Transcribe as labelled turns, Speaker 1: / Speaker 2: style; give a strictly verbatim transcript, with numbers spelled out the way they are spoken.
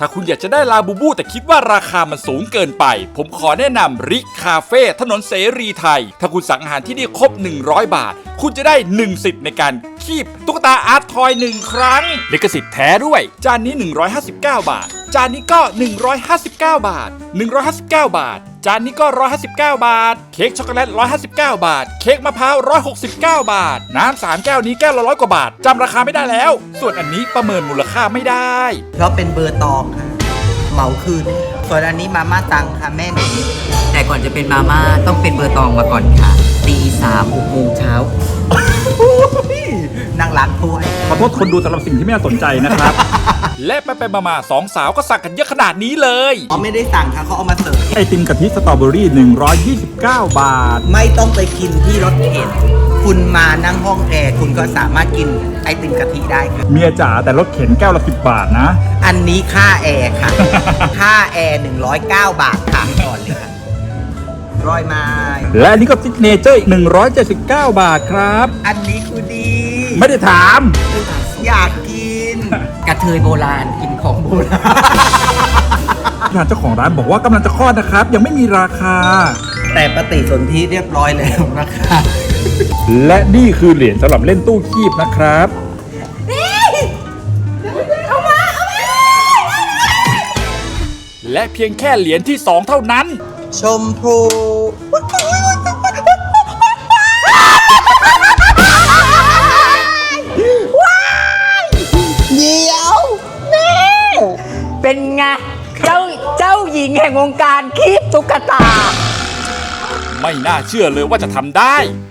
Speaker 1: ถ้าคุณอยากจะได้ลาบูบูแต่คิดว่าราคามันสูงเกินไปผมขอแนะนำริคาเฟ่ถนนเสรีไทยถ้าคุณสั่งอาหารที่นี่ครบหนึ่งร้อยบาทคุณจะได้หนึ่งสิทธิ์ในการคีบตุ๊กตาอาร์ตทอยหนึ่งครั้งลิขสิทธิ์แท้ด้วยจานนี้หนึ่งร้อยห้าสิบเก้าบาทจานนี้ก็หนึ่งร้อยห้าสิบเก้าบาทหนึ่งร้อยห้าสิบเก้าบาทจานนี้ก็หนึ่งร้อยห้าสิบเก้าบาทเค้กช็อกโกแลตหนึ่งร้อยห้าสิบเก้าบาทเค้กมะพร้าวหนึ่งร้อยหกสิบเก้าบาทน้ำสามแก้วนี้แก้วละร้อยกว่าบาทจำราคาไม่ได้แล้วส่วนอันนี้ประเมินมูลค่าไม่ได้
Speaker 2: เพราะเป็นเบอร์ตองค่ะเหมาคืนส่วนอันนี้มาม่าตังค่ะแม่หนูแต่ก่อนจะเป็นมาม่าต้องเป็นเบอร์ตองมาก่อนค่ะตีสามหกโมงเช้านั่งล้างถ้วย
Speaker 3: ขอโทษคนดูสำหรับสิ่งที่ไม่น่าสนใจนะครับ
Speaker 1: และไปไปมาๆสองสาวก็สั่งกันเยอะขนาดนี้เลย
Speaker 2: เขาไม่ได้สั่งค่ะเขาเอามาเสิร์ฟ
Speaker 3: ไอติมกะทิสตรอเบอรี่หนึ่งร้อยยี่สิบเก้าบาท
Speaker 2: ไม่ต้องไปกินที่รถเข็นคุณมานั่งห้องแอร์คุณก็สามารถกินไอติมกะทิได้ค่ะ
Speaker 3: เมียจ๋าแต่รถเข็นแก้วละสิบบาทนะ
Speaker 2: อันนี้ค่าแอร์ค่ะ ค่าแอร์หนึ่งร้อยเก้าบาทค่ะก่อนเลยค่ะร้อยไม้
Speaker 3: และอันนี้ก็ซิกเนเจอร์อีกหนึ่งร้อยเจ็ดสิบเก้าบาทครับ
Speaker 2: อันนี้คือดี
Speaker 3: ไม่ได้ถาม
Speaker 2: อยากกินกระเทยโบราณกินของโบราณ
Speaker 3: ทางเจ้าของร้านบอกว่ากำลังจะคลอดนะครับยังไม่มีราคา
Speaker 2: แต่ปฏิสนธิเรียบร้อยแล้วนะคะ
Speaker 3: และนี่คือเหรียญสำหรับเล่นตู้คีบนะครับ
Speaker 1: และเพียงแค่เหรียญที่สองเท่านั้น
Speaker 2: ชมพูเดี๋ยว
Speaker 4: นี่เป็นไงเจ้าเจ้าหญิงแห่งวงการคีบตุ๊กตา
Speaker 1: ไม่น่าเชื่อเลยว่าจะทำได้